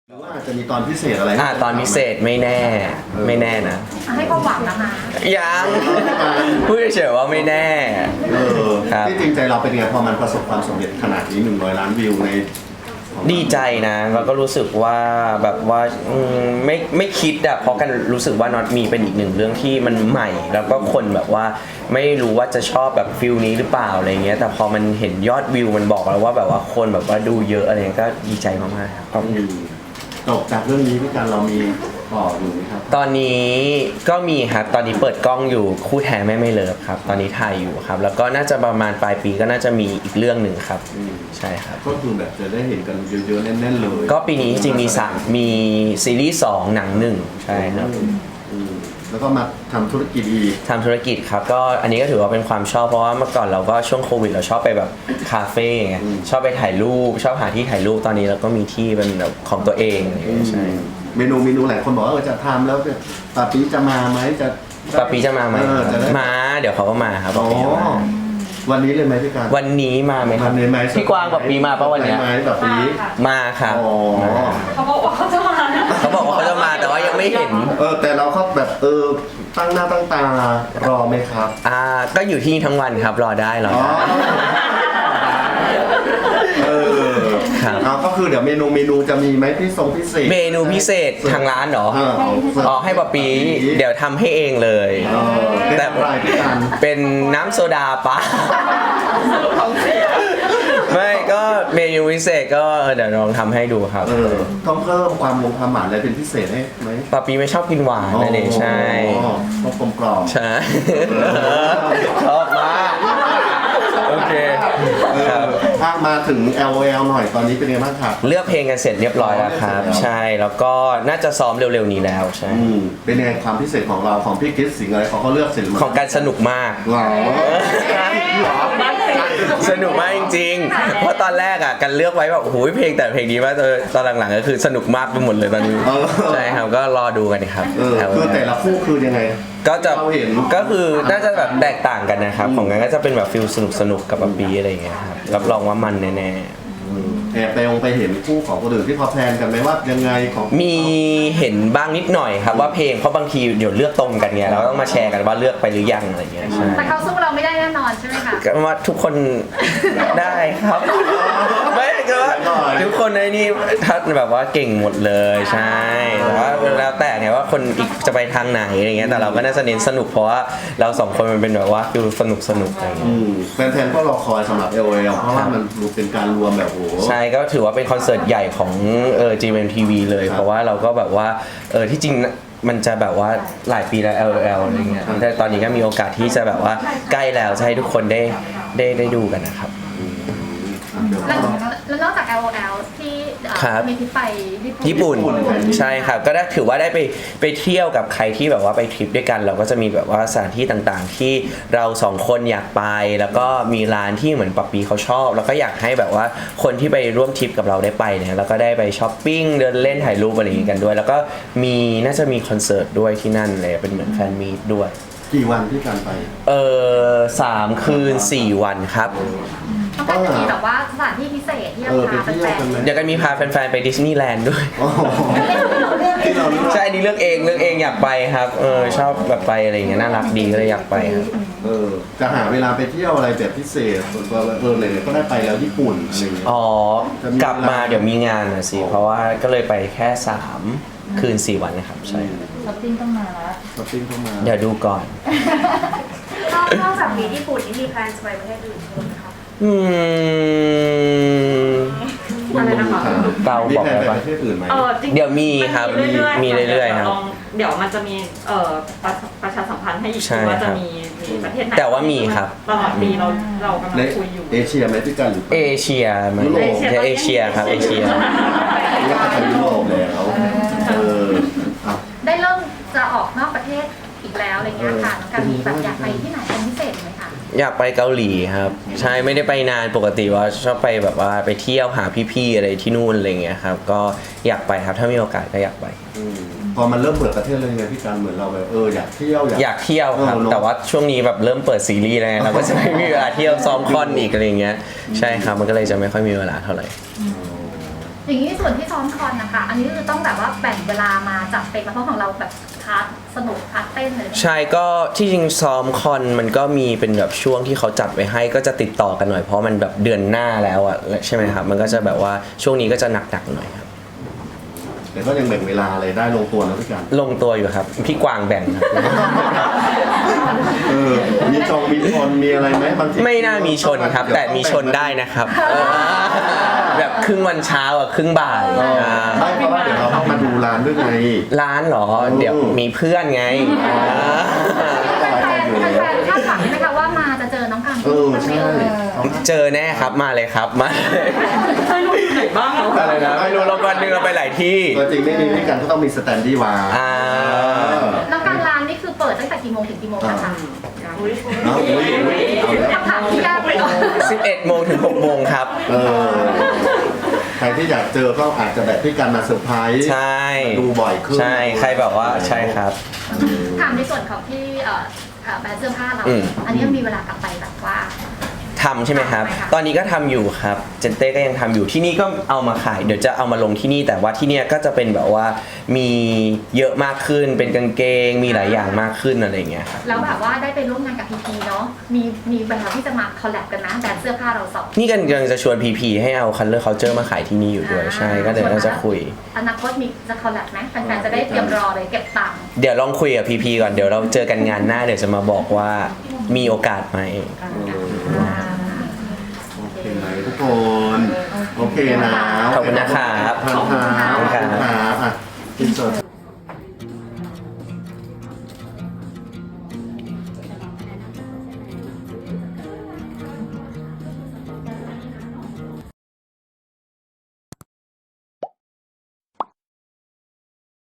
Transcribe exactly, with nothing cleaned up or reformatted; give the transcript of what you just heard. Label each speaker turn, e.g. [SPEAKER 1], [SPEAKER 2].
[SPEAKER 1] หรือว่าอาจจะมีตอนพิเศษอะไร
[SPEAKER 2] อ่าตอนพิเศษไม่แน่ไม่แน่นะ
[SPEAKER 3] ให้ความหวังนะคะ
[SPEAKER 2] ยังพูดเฉยๆว่าไม่แน่
[SPEAKER 1] เออ
[SPEAKER 2] ครับ
[SPEAKER 1] ที่จริงใจเราเป็นไงพอมันประสบความสำเร็จขนาดนี้หนึ่งร้อยล้านวิวใน
[SPEAKER 2] ดีใจนะแล้วก็รู้สึกว่าแบบว่าไม่ไม่คิดอะเพราะกันรู้สึกว่าน็อตมีเป็นอีกหนึ่งเรื่องที่มันใหม่ แล้วก็คนแบบว่าไม่รู้ว่าจะชอบแบบฟิลนี้หรือเปล่าอะไรเงี้ยแต่พอมันเห็นยอดวิวมันบอกแล้วว่าแบบว่าคนแบบว่าดูเยอะอะไรเงี้ยก็ดีใจมากๆครับ
[SPEAKER 1] จบจากเรื่องนี้พี่การเรามีต่ออยู่ไหมครับ
[SPEAKER 2] ตอนนี้ก็มีครับตอนนี้เปิดกล้องอยู่คู่แท้แม่ไม่เลิฟครับตอนนี้ถ่ายอยู่ครับแล้วก็น่าจะประมาณปลายปีก็น่าจะมีอีกเรื่องหนึ่งครับใช่ครับ
[SPEAKER 1] ก็คือแบบจะได้เห็นกันเยอะๆแน่นๆเลย
[SPEAKER 2] ก็ปีนี้จริงๆมีสามมีซีรีส์สองหนังหนึ่งใช่ครับ
[SPEAKER 1] แล้วก็มาทำธุรกิจอีก
[SPEAKER 2] ทำธุรกิจครับก็อันนี้ก็ถือว่าเป็นความชอบเพราะว่าเมื่อก่อนเราก็ช่วงโควิดเราชอบไปแบบคาเฟ่ไงชอบไปถ่ายรูปชอบหาที่ถ่ายรูปตอนนี้เราก็มีที่เป็นแบบของตัวเองใช่
[SPEAKER 1] เมนูเมนูหลายคนบอกว่าเออจะทำแล้วปาปีจะมาไหมจะ
[SPEAKER 2] ปาปีจะมาไหมมาเดี๋ยวเขาก็มาครับ
[SPEAKER 1] วันนี้เลยไหมพี่การ
[SPEAKER 2] วันนี้มาไหมครับพี่กวางปาปีมาปะวันนี้
[SPEAKER 1] ปาปี
[SPEAKER 2] มาครับ
[SPEAKER 3] เขาบอกว่าเขาจะมา
[SPEAKER 2] เขาบอกว่าเขาจะมาแต่ว่ายังไม่เห็น
[SPEAKER 1] เออแต่เราก็แบบเออตั้งหน้าตั้งตารอไหมครับ
[SPEAKER 2] อ่าก็อยู่ที่นี่ทั้งวันครับรอได้รอได้
[SPEAKER 1] เออครับก็คือเดี๋ยวเมนูเมนูจะมีไหมพี่ทรงพิเศษ
[SPEAKER 2] เมนูพิเศษทางร้านเหรออ๋อให้ปะปีเดี๋ยวทำให้เองเลย
[SPEAKER 1] แต่
[SPEAKER 2] เป็นน้ำโซดาปะไม่ก็เมนูพิเศษก็เดี๋ยวลองทำให้ดูครับ
[SPEAKER 1] ต้องเพิ่มความลงความหวานอะไรเป็นพิเศษให้ไหม
[SPEAKER 2] ปะปีไม่ชอบกินหวานนั่นเองใช่
[SPEAKER 1] ต้องกลมกล่อม
[SPEAKER 2] ใช่ชอบมากโอเค
[SPEAKER 1] ถ้ามาถึง แอล โอ แอล หน่อยตอนนี้เป็นไงบ้างครับ
[SPEAKER 2] เลือกเพลงกันเสร็จเรียบร้อยแล้วครับใช่แล้วก็น่าจะซ้อมเร็วๆนี้แล้วใช่
[SPEAKER 1] เป็นไงความพิเศษของเราของพี่คริสสิงห์อะไรเขาเขาเลือกเสร็จ
[SPEAKER 2] ของการสนุกมากสนุกมากจริงๆเพราะตอนแรกอ่ะกันเลือกไว้แบบโอ้โหเพลงแต่เพลงนี้ว่าตอนหลังๆก็คือสนุกมากไปหมดเลยตอนนี้ใช่ครับก็รอดูกันครับ
[SPEAKER 1] คือแต่ละคู่คือยังไง
[SPEAKER 2] ก็จะก็คือน่าจะแบบแตกต่างกันนะครับของกันก็จะเป็นแบบฟิลสนุกสนุกกับบับบี้อะไรอย่างเงี้ยครับรับรองว่ามันแน่
[SPEAKER 1] แอบไปองไปเห็นคู่ของคนอื่นที่เขาแพลนกันไหมว่ายังไงของ
[SPEAKER 2] มีเห็นบ้างนิดหน่อยครับว่าเพลงเพราะบางทีเดี๋ยวเลือกตรงกันเนี่ยเราต้องมาแชร์กันว่าเลือกไปหรือยังอะไรเงี้ยใช่
[SPEAKER 3] แต่เขาสู้เราไม่ได้แน่นอนใช่ไหมคะ
[SPEAKER 2] ก็ว่าทุกคนได้ครับไม่ก็ว่าทุกคนในนี้ทัดแบบว่าเก่งหมดเลยใช่แต่ว่าแล้วแต่เนี่ยว่าคนอีกจะไปทางไหนอะไรเงี้ยแต่เราก็น่าจะเน้นสนุกเพราะว่าเราสองคนมันเป็นแบบว่าฟิลสนุกสนุกอะไรเงี้ย
[SPEAKER 1] แฟนๆก็รอคอยสำหรับ แอล โอ แอล เพราะว่ามันเป็นการรวมแบบ
[SPEAKER 2] ใช่ก็ถือว่าเป็นคอนเสิร์ตใหญ่ของเออ จี เอ็ม ที วี เลยเพราะว่าเราก็แบบว่าเออที่จริงมันจะแบบว่าหลายปีแล้ว แอล โอ แอล อะไรเงี้ยแต่ตอนนี้ก็มีโอกาสที่จะแบบว่าใกล้แล้วจะให้ทุกคนได้ได้ได้ดูกันนะครับ
[SPEAKER 3] แล้วนอกจาก แอล โอ แอล ที่มีทริปไป
[SPEAKER 2] ญี่ปุ่นใช่ครับก็ได้ถือว่าได้ไปไปเที่ยวกับใครที่แบบว่าไปทริปด้วยกันเราก็จะมีแบบว่าสถานที่ต่างๆที่เราสองคนอยากไปแล้วก็มีร้านที่เหมือนปับปีเขาชอบแล้วก็อยากให้แบบว่าคนที่ไปร่วมทริปกับเราได้ไปเนี่ยแล้วก็ได้ไปช้อปปิ้งเดินเล่นถ่ายรูปอะไรอย่างงี้กันด้วยแล้วก็มีน่าจะมีคอนเสิร์ตด้วยที่นั่นเลยเป็นเหมือนแฟนมีตด้วย
[SPEAKER 1] กี่วันที่การไป
[SPEAKER 2] เออสามคืนสี่วันครับ
[SPEAKER 3] ก็จะมีแบบว่าสถานที่พิเศษที่เราพาแฟน
[SPEAKER 2] ๆเดี๋ยวกันมีพาแฟนๆไปดิสนีย์แลนด์ด้วยใช่นี่เลือกเองเลือกเองอยากไปครับเออชอบแบบไปอะไรอย่างเงี้ยน่ารักดีก็เลยอยากไปครับ
[SPEAKER 1] เออจะหาเวลาไปเที่ยวอะไรแบบพิเศษส่วนตัวเออเลยก็ได้ไปแล้วญี่ปุ่นอะไรอย่างเงี้ย
[SPEAKER 2] อ๋อกลับมาเดี๋ยวมีงานนะสิเพราะว่าก็เลยไปแค่สามคืนสี่วันนะครับใช่
[SPEAKER 3] ช้อปปิ้งต้องมาแล้ว
[SPEAKER 1] ช้อปปิ้งต้องมา
[SPEAKER 2] เดี๋ยวดูก่อน
[SPEAKER 3] นอกจากมีญี่ปุ่นนี่มีแพลนจะไปประเทศอื่นไหมคะ
[SPEAKER 2] อื
[SPEAKER 3] มอะไรนะคะ
[SPEAKER 2] เกาบอก
[SPEAKER 1] ไปประเทศอื่นไหม
[SPEAKER 2] เดี๋ยวมีครับมีเรื่อยๆครับ
[SPEAKER 4] เดี๋ยวมันจะมีเอ่อประชาสัมพันธ์ให้อีกว่าจะมีมีประเทศไหน
[SPEAKER 2] แต่ว่ามีครับ
[SPEAKER 4] ตลอดปีเราเรากำลังคุยอยู่
[SPEAKER 1] เอเชียไหมพี่กันหรือ
[SPEAKER 2] เอเชียมันเอเชียครับเอเชีย
[SPEAKER 1] นี่ก็จะยุโรปแล้ว
[SPEAKER 3] ได้เริ่มจะออกนอกประเทศอีกแล้วอะไรเงี้ยค่ะการมีแบบอยากไปที่ไหนเป็นพิเศษไหมคะ
[SPEAKER 2] อยากไปเกาหลีครับใช่ไม่ได้ไปนานปกติว่าชอบไปแบบว่าไปเที่ยวหาพี่ๆอะไรที่นู่นอะไรเงี้ยครับก็อยากไปครับถ้ามีโอกาสก็อยากไป
[SPEAKER 1] พอมันเริ่มเปิดประเทศเลยไงพี่การเหมือนเราแบบเอออยากเที่ยว
[SPEAKER 2] อยากเที่ยวครับแต่ว่าช่วงนี้แบบเริ่มเปิดซีรีส์แล้วเราก็จะไม่มีเวลาเที่ยวซ้อมคอนอีกอะไรเงี้ยใช่ครับมันก็เลยจะไม่ค่อยมีเวลาเท่าไหร่
[SPEAKER 1] แ
[SPEAKER 3] อย่างนี้ส่วนที่ซ้อมคอนนะคะ อันนี้คือต้องแบบว่าแบ่งเวลามาจัดเต็มมาเพราะของเราแบบพาร์ทสนุกพาร์ทเต้นเลย
[SPEAKER 2] ใช่ก็ที่จริงซ้อมคอนมันก็มีเป็นแบบช่วงที่เขาจัดไว้ให้ก็จะติดต่อกันหน่อยเพราะมันแบบเดือนหน้าแล้วอ่ะใช่ไหมครับมันก็จะแบบว่าช่วงนี้ก็จะหนักๆหน่อยครับ
[SPEAKER 1] แต่ก็ยังแบ่งเวลาอะไรได้ลงตัวนะพี่กัน
[SPEAKER 2] ลงตัวอยู่ครับพี่กวางแบ่งครับ
[SPEAKER 1] เออมีจองมีชนมีอะไรไหมบางที
[SPEAKER 2] ไม่น่ามีชนครับ แต่มีชนได้นะครับเออแบบครึ่งวันเช้าอ่ะครึ่งบ่าย
[SPEAKER 1] เออ
[SPEAKER 2] อ่า
[SPEAKER 1] ใช่เพราะว่าเดี๋ยวเราต้องมาดูร้านด้วยไง
[SPEAKER 2] ร้านเหรอเดี๋ยวมีเพื่อนไง
[SPEAKER 3] แฟนๆแฟนๆคาดหวังไหมคะว่ามาจะเจอน้องกัน
[SPEAKER 1] เออใช่
[SPEAKER 2] เจอแน่ครับมาเลยครับมา
[SPEAKER 4] เคยรู้ที่ไหนบ้างเหรอ
[SPEAKER 2] อะไรนะไม่รู้เราวันหนึงเราไปหลายที่
[SPEAKER 1] ตัวจริงไม่มีพี่กันก็ต้องมีสแตนดี้วาง
[SPEAKER 2] อ่า
[SPEAKER 3] น้องกันร้านนี่คือเปิดตั้งแต่กี่โมงถึงกี่โมงคะ
[SPEAKER 4] อุ๊ย
[SPEAKER 1] เอาอุ้ยอุ้ยเอาเลย
[SPEAKER 3] คำถามที่ยากไปหน่อย
[SPEAKER 2] สิบเอ็ดโมงถึงหกโมงครับ
[SPEAKER 1] เออใครที่อยากเจอก็อาจจะแบบพี่กันมาเซอร์ไพรส์
[SPEAKER 2] ใช่
[SPEAKER 1] ดูบ่อยขึ้น
[SPEAKER 2] ใช่ใครแบบว่าใช่ครับ
[SPEAKER 3] ถามในส่วนของที่เอ่อเอ่อแบรนด์เสื้อผ้าเรา
[SPEAKER 2] อืม
[SPEAKER 3] อันนี้มีเวลากลับไปแบบว่า
[SPEAKER 2] ทำใช่ไหมครับ
[SPEAKER 3] ใช่ค่ะ
[SPEAKER 2] ตอนนี้ก็ทำอยู่ครับ เจนเต้ก็ยังทำอยู่ที่นี่ก็เอามาขาย เดี๋ยวจะเอามาลงที่นี่ แต่ว่าที่เนี่ยก็จะเป็นแบบว่ามีเยอะมากขึ้น เป็นกางเกง มีหลายอย่างมากขึ้นอะไรอย่างเงี้ยครับ
[SPEAKER 3] แล้วแบบว่าได้ไปร่วมงานกับพีพีเนาะ มีมีแบรนด์ที่จะมาคอลแลบกันนะแบรนด์เสื้อผ้าเราสอง
[SPEAKER 2] นี่กันกำลังจะชวนพีพีให้เอา Color Culture มาขายที่นี่อยู่ด้วย ใช่ ก็เดี๋ยวเราจะคุย
[SPEAKER 3] อนาคตมีจะคอลแลบไหมแฟนๆจะได้เตรียมรอเลยเก็บตังค์
[SPEAKER 2] เดี๋ยวลองคุยกับพีพีก่อน เดี๋ยวเราเจอกันงานหน้า เดี๋ยวจะมาบอกว่ามีโอกาสไหม
[SPEAKER 1] โอเคไหมทุกคน โอเคนะ
[SPEAKER 2] ขอบคุณนะครับ
[SPEAKER 1] ขอบคุณครับ
[SPEAKER 2] ขอบคุณครับ
[SPEAKER 1] ขอบคุณครับอ่ะอินเสิร์ต